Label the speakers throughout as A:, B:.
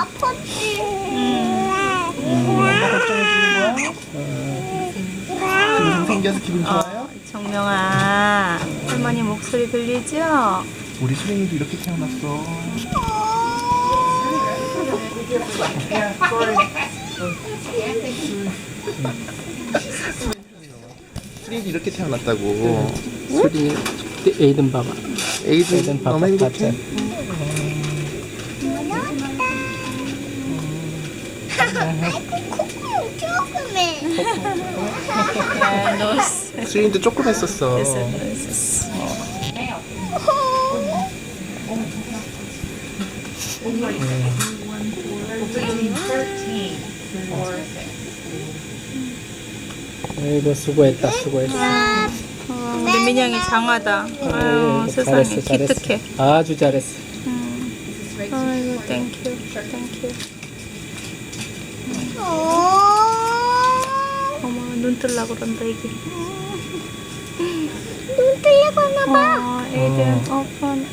A: 아팠지.
B: 엄마 걱정해주는 거야? 동생 생겨서 기분 좋아요?
C: 정명아, 할머니 목소리 들리죠?
B: 우리 수랭이도 이렇게 태어났어. 수랭이도 이렇게 태어났다고.
D: 소리 에이든 봐봐.
B: 에이든 너무 행복해.
A: 콧구멍 조금해.
B: 수랭이도 조금 했었어.
D: 아이고 수고했다 수고했어.
C: 우리 민영이 장하다. 아유, 세상에 기특해.
D: 아주 잘했어.
C: 아이고, 땡큐, 땡큐. 어머, 눈 뜰라 그런다, 이게.
A: 눈 뜨려고 하나봐.
C: 에이든, 오픈.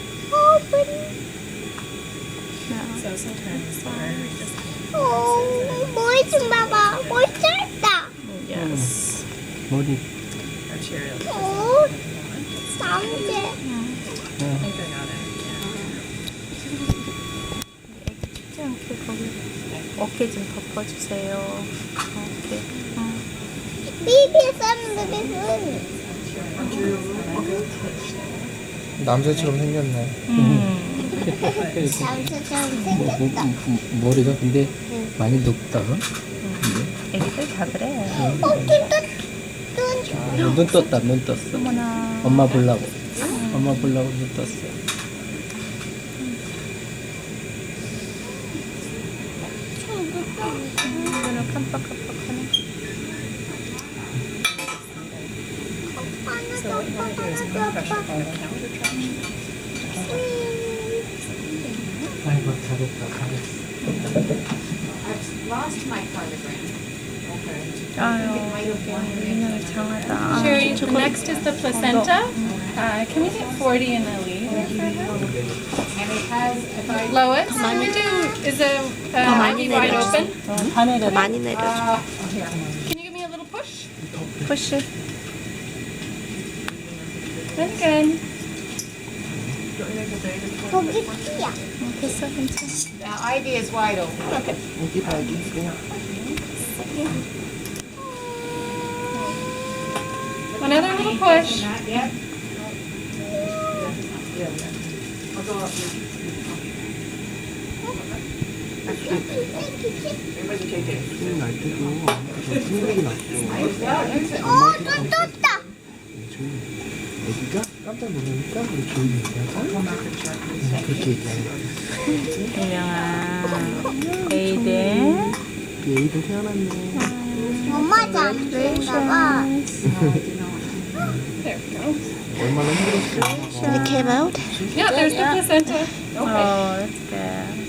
A: 머리 좀 봐봐. 머리 짧다.
C: Yes.
D: 머리
A: 남재.
C: 춥지 않게 거기 어깨 좀 덮어주세요. 어깨.
A: 비비 쌈들이
B: 남자처럼 생겼네.
A: 남자처럼 생겼다.
D: 머리가 근데 많이 높다.
C: 애기들 다 그래.
D: 눈 떴다 눈 떴어.
C: 어머나.
D: 엄마 보려고. 엄마 보려고 눈 떴어.
C: 눈을 깜빡깜빡하네.
D: 아이고 잘했다 잘했어.
C: 아유, 민영이 장하다.
E: Sherry, the next is the placenta. Can we get 40 in the lead? Lois, can we do, is the IV wide open?
C: 많이 내려줘.
E: Can you give me a little push?
C: 푸시.
E: That's good.
A: 거기 띠야.
C: 됐어, 괜찮아.
F: IV is wide open.
E: Okay.
B: 여기 발기 그냥.
E: Another little push.
F: Yep.
B: 수랭이 날 때도 생각이 났어.
A: 또 떴다.
B: 조용히. 애기가 깜짝 놀라니까 우리 조용히 얘기하자. 그렇게 얘기하는
C: 민영아, 에이든.
B: 우리 에이든 태어났네.
A: 엄마 잠들까봐.
E: There we go.
B: 얼마나 힘들었어.
C: It came out?
E: Yeah, there's the placenta.
C: Oh, that's good.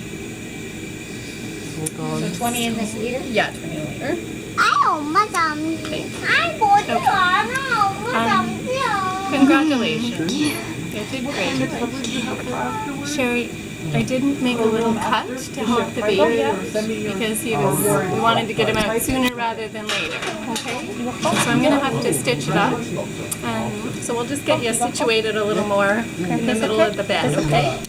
F: So 20 in this liter?
E: Yeah, 20 liter.
A: 아이 엄마 잠지. 아이 머리 많아. 엄마 잠지야.
E: Congratulations. You did great. Sherry, I didn't make a little cut to help the baby out because we wanted to get him out sooner rather than later. Okay? So I'm gonna have to stitch it up. So we'll just get you situated a little more in the middle of the bed, okay?